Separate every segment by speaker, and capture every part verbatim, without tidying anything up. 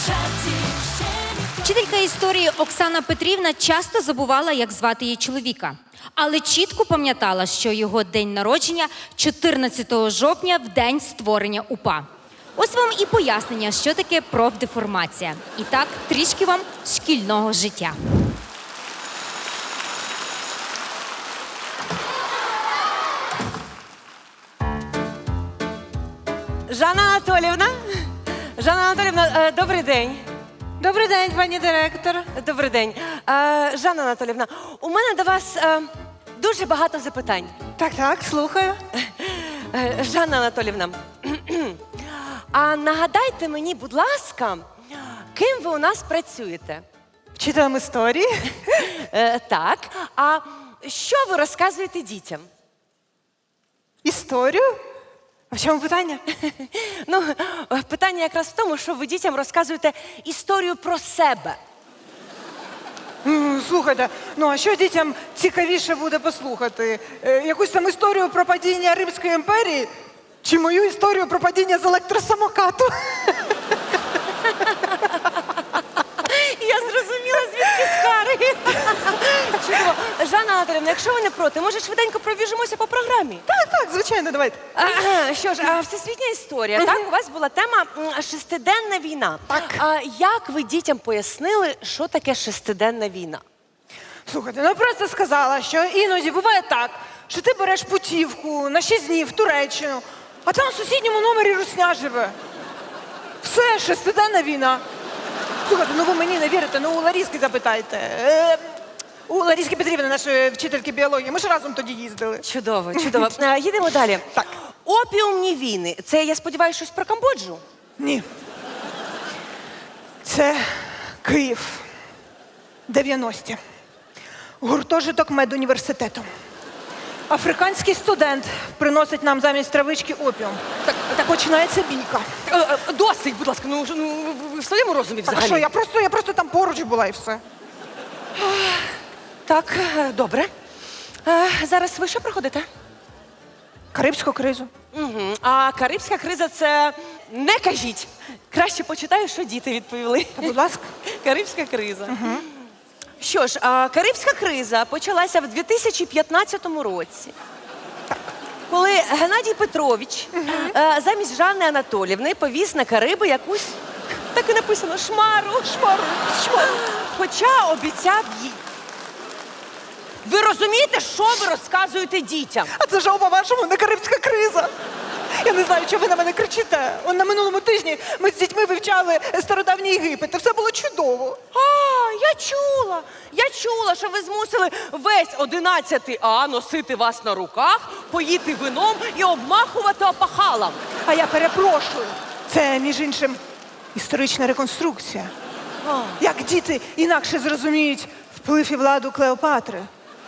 Speaker 1: Вчителька історії Оксана Петрівна часто забувала, як звати її чоловіка. Але чітко пам'ятала, що його день народження чотирнадцятого жовтня в день створення УПА. Ось вам і пояснення, що таке профдеформація. І так, трішки вам шкільного життя.
Speaker 2: Жанна Анатоліївна, Жанна Анатоліївна, е, добрий день.
Speaker 3: Добрий день, пані директор.
Speaker 2: Добрий день. Е, Жанна Анатоліївна, у мене до вас е, дуже багато запитань.
Speaker 3: Так, так, слухаю.
Speaker 2: Е, Жанна Анатоліївна, а нагадайте мені, будь ласка, ким ви у нас працюєте?
Speaker 3: Вчителем історії.
Speaker 2: Е, так, а що ви розказуєте дітям?
Speaker 3: Історію? А в чому питання?
Speaker 2: Ну, питання якраз в тому, що ви дітям розказуєте історію про себе.
Speaker 3: М, Слухайте, ну а що дітям цікавіше буде послухати? Е, якусь там історію про падіння Римської імперії? Чи мою історію про падіння з електросамокату?
Speaker 2: Я зрозуміла, звідки скари. Чудово. Жанна Анатоліївна, якщо ви не проти, може швиденько пробіжимося по програмі?
Speaker 3: Так, так, звичайно, давайте.
Speaker 2: А, що ж, а, всесвітня історія, так? У вас була тема м, шестиденна війна.
Speaker 3: Так.
Speaker 2: А як ви дітям пояснили, що таке шестиденна війна?
Speaker 3: Слухайте, ну просто сказала, що іноді буває так, що ти береш путівку на шість днів в Туреччину, а там в сусідньому номері русня живе. Все, шестиденна війна. Слухайте, ну ви мені не вірите, ну у Ларіски запитайте. Е, у Ларіски Петрівни, нашої вчительки біології. Ми ж разом тоді їздили.
Speaker 2: Чудово, чудово. А, їдемо далі.
Speaker 3: Так.
Speaker 2: Опіумні війни. Це, я сподіваюся, щось про Камбоджу?
Speaker 3: Ні. Це Київ. дев'яності. Гуртожиток медуніверситету. Африканський студент приносить нам замість травички опіум. Так, так починається бійка.
Speaker 2: Е, е, Досить, будь ласка, ну, ну ви в своєму розумі
Speaker 3: Так, а
Speaker 2: взагалі?
Speaker 3: що, я просто, я просто там поруч була і все.
Speaker 2: Так, е, добре. Е, Зараз ви що проходите?
Speaker 3: Карибську кризу.
Speaker 2: Угу. А Карибська криза це не кажіть. Краще почитаю, що діти відповіли.
Speaker 3: Та, будь ласка.
Speaker 2: Карибська криза. Угу. Що ж, а, Карибська криза почалася в дві тисячі п'ятнадцятому році. Так. Коли Геннадій Петрович угу. е, замість Жанни Анатоліївни повіз на Кариби якусь, так і написано, шмару. Шмару. Шмару. Хоча обіцяв їй. Ви розумієте, що ви розказуєте дітям?
Speaker 3: А це ж, по-вашому, не Карибська криза. Я не знаю, чого ви на мене кричите. Он на минулому тижні ми з дітьми вивчали стародавній Єгипет, і все було чудово.
Speaker 2: А, я чула, я чула, що ви змусили весь одинадцятий А носити вас на руках, поїти вином і обмахувати опахалом.
Speaker 3: А я перепрошую. Це, між іншим, історична реконструкція.
Speaker 2: А.
Speaker 3: Як діти інакше зрозуміють вплив і владу Клеопатри.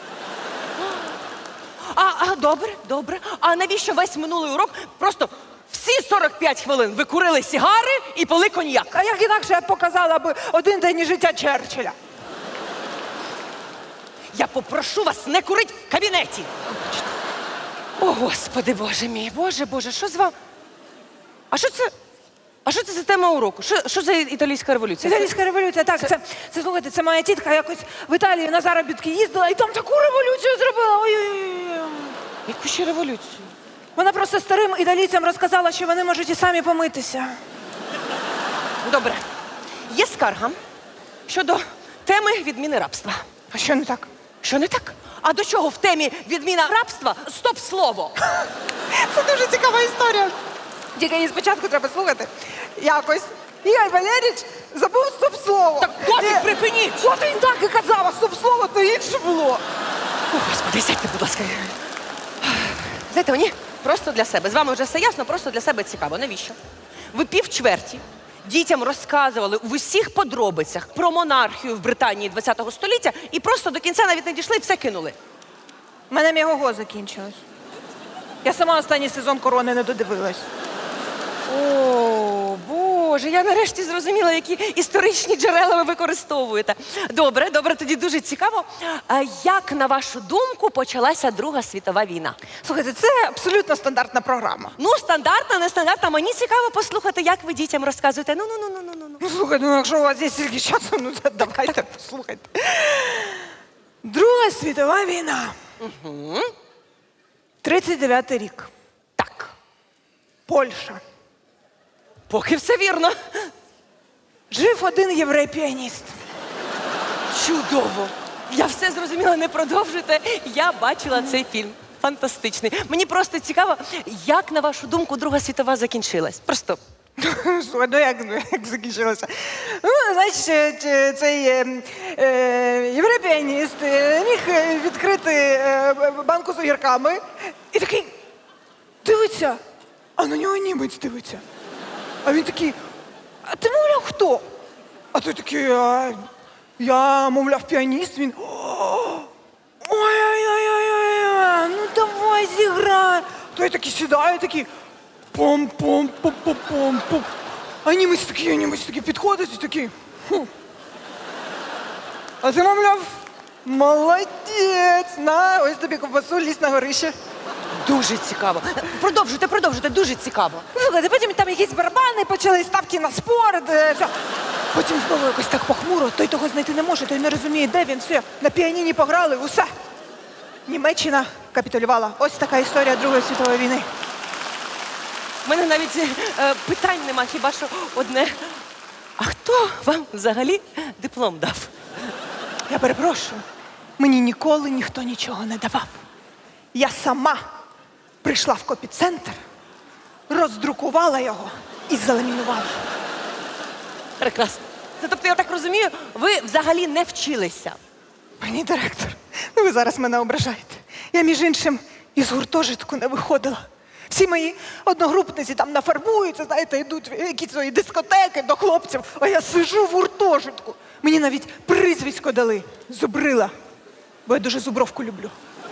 Speaker 2: А, а, добре, добре. А навіщо весь минулий урок просто всі сорок п'ять хвилин ви курили сігари і пили коньяк?
Speaker 3: А як інакше я б показала би один день із життя Черчилля?
Speaker 2: Я попрошу вас не курити в кабінеті. О, Господи, Боже мій, Боже, Боже, що з вами? А що це? А що це за тема уроку? Що, що за італійська революція?
Speaker 3: Італійська революція, так, це, це, слухайте, це моя тітка якось в Італію на заробітки їздила і там таку революцію зробила. Ой-ой-ой.
Speaker 2: Яку ще революцію?
Speaker 3: Вона просто старим італійцям розказала, що вони можуть і самі помитися.
Speaker 2: Добре. Є скарга щодо теми відміни рабства.
Speaker 3: А що не так?
Speaker 2: Що не так? А до чого в темі відміна рабства стоп-слово?
Speaker 3: Це дуже цікава історія. Тільки її спочатку треба слухати. Якось Ігор Валерійович забув стоп-слово.
Speaker 2: Так досить
Speaker 3: Е,
Speaker 2: припиніть!
Speaker 3: От він так і казав, а стоп-слово то інше було.
Speaker 2: О, Господи, сядьте, будь ласка. Знаєте, мені просто для себе. З вами вже все ясно, просто для себе цікаво. Навіщо? Ви півчверті дітям розказували в усіх подробицях про монархію в Британії ХХ століття і просто до кінця навіть не дійшли і все кинули.
Speaker 3: У мене мігого закінчилось. Я сама останній сезон «Корони» не додивилась.
Speaker 2: О, Боже. Боже, я нарешті зрозуміла, які історичні джерела ви використовуєте. Добре, добре, тоді дуже цікаво. А як, на вашу думку, почалася Друга світова війна?
Speaker 3: Слухайте, це абсолютно стандартна програма.
Speaker 2: Ну, стандартна, не стандартна. Мені цікаво послухати, як ви дітям розказуєте. Ну, ну, ну, ну, ну, ну.
Speaker 3: Ну, слухайте, ну якщо у вас є стільки часу, ну то давайте послухайте. Друга світова війна. Угу. тридцять дев'ятий рік.
Speaker 2: Так,
Speaker 3: Польща.
Speaker 2: поки все вірно.
Speaker 3: Жив один єврей-піаніст.
Speaker 2: Чудово. Я все зрозуміла, не продовжуйте. Я бачила цей фільм. Фантастичний. Мені просто цікаво, як, на вашу думку, Друга світова закінчилась? Просто
Speaker 3: Слухай, ну як, ну, як закінчилося? Ну, значить, е, цей е, е, єврей-піаніст е, міг е, відкрити е, банку з огірками і такий дивиться, а на нього німець дивиться. А він такий, а ти, мовляв, хто? А той такий, а, я, мовляв, піаніст. Він, ой-ой-ой-ой-ой, ну давай зіграй. Той такий сідає, такий, пом-пом-пом-пом-пом. А німець такий, а німець такий підходить і такий. Хм. А ти, мовляв, молодець, на, ось тобі ковбасу, лізь на горище.
Speaker 2: дуже цікаво. Продовжуйте, продовжуйте, дуже цікаво.
Speaker 3: Ну, слухайте, потім там якісь барабани, почали ставки на спорт. е, все. Потім знову якось так похмуро, той того знайти не може, той не розуміє, де він, все. На піаніні пограли, усе. Німеччина капітулювала. Ось така історія Другої світової війни.
Speaker 2: У мене навіть е, питань нема, хіба що одне. А хто вам взагалі диплом дав?
Speaker 3: Я перепрошую, мені ніколи ніхто нічого не давав. Я сама прийшла в копіцентр, роздрукувала його і заламінувала.
Speaker 2: Прекрасно. Це, тобто, я так розумію, ви взагалі не вчилися.
Speaker 3: Пані директор, ну ви зараз мене ображаєте. Я, між іншим, із гуртожитку не виходила. Всі мої одногрупниці там нафарбуються, знаєте, йдуть в якісь свої дискотеки до хлопців, а я сижу в гуртожитку. Мені навіть прізвисько дали – Зубрила, бо я дуже зубровку люблю.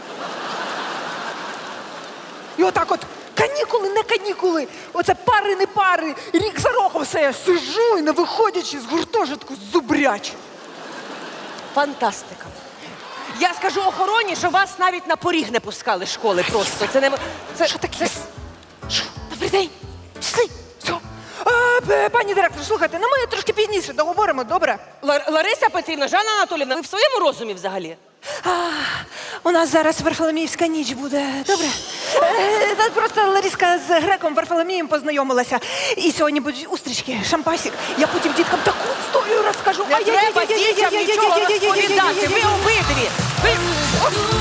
Speaker 3: І отак от канікули, не канікули, оце пари, не пари, рік за роком все, я сижу і не виходячи з гуртожитку зубрячу.
Speaker 2: Фантастика. Я скажу охороні, що вас навіть на поріг не пускали школи просто. Це не м- це
Speaker 3: Що таке?
Speaker 2: це-
Speaker 3: Що? Добрий день. Пішли. Все. А, п- пані директор, слухайте, ну ми трошки пізніше договоримо, добре?
Speaker 2: Лар- Лариса Петрівна, Жанна Анатоліївна, ви в своєму розумі взагалі?
Speaker 3: А, у нас зараз Варфоломіївська ніч буде, добре? Е, та просто Ларіска з греком Варфоломієм познайомилася. І сьогодні будуть устрічки, шампасик. Я потім діткам таку історію розкажу.
Speaker 2: Не треба дітям нічого розповідати. Ви обидві. Ви